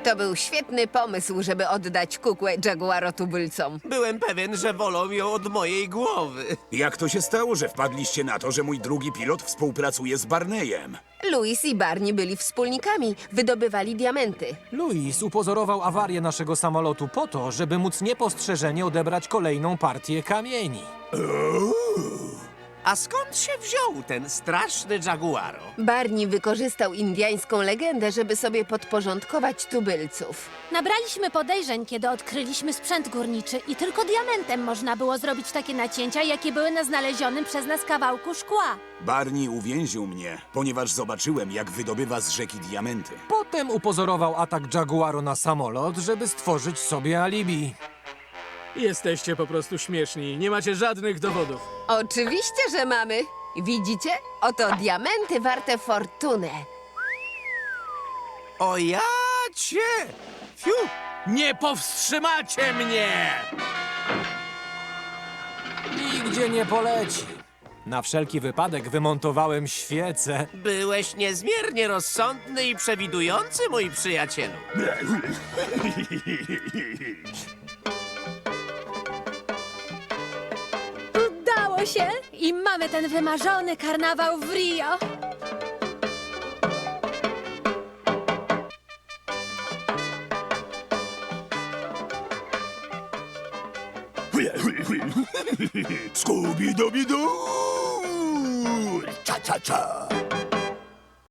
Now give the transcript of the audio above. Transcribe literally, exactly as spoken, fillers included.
To był świetny pomysł, żeby oddać kukłę jaguarotubylcom. Byłem pewien, że wolą ją od mojej głowy. Jak to się stało, że wpadliście na to, że mój drugi pilot współpracuje z Barneyem? Louis i Barney byli wspólnikami, wydobywali diamenty. Louis upozorował awarię naszego samolotu po to, żeby móc niepostrzeżenie odebrać kolejną partię kamieni. A skąd się wziął ten straszny jaguaro? Barney wykorzystał indyjską legendę, żeby sobie podporządkować tubylców. Nabraliśmy podejrzeń, kiedy odkryliśmy sprzęt górniczy i tylko diamentem można było zrobić takie nacięcia, jakie były na znalezionym przez nas kawałku szkła. Barney uwięził mnie, ponieważ zobaczyłem, jak wydobywa z rzeki diamenty. Potem upozorował atak Jaguaro na samolot, żeby stworzyć sobie alibi. Jesteście po prostu śmieszni. Nie macie żadnych dowodów. Oczywiście, że mamy. Widzicie? Oto diamenty warte fortunę. O ja cię! Fiu! Nie powstrzymacie mnie! Nigdzie nie poleci. Na wszelki wypadek wymontowałem świecę. Byłeś niezmiernie rozsądny i przewidujący, mój przyjacielu. Udało się i mamy ten wymarzony karnawał w Rio. Scooby-Dooby-Doo! Cha-cha-cha!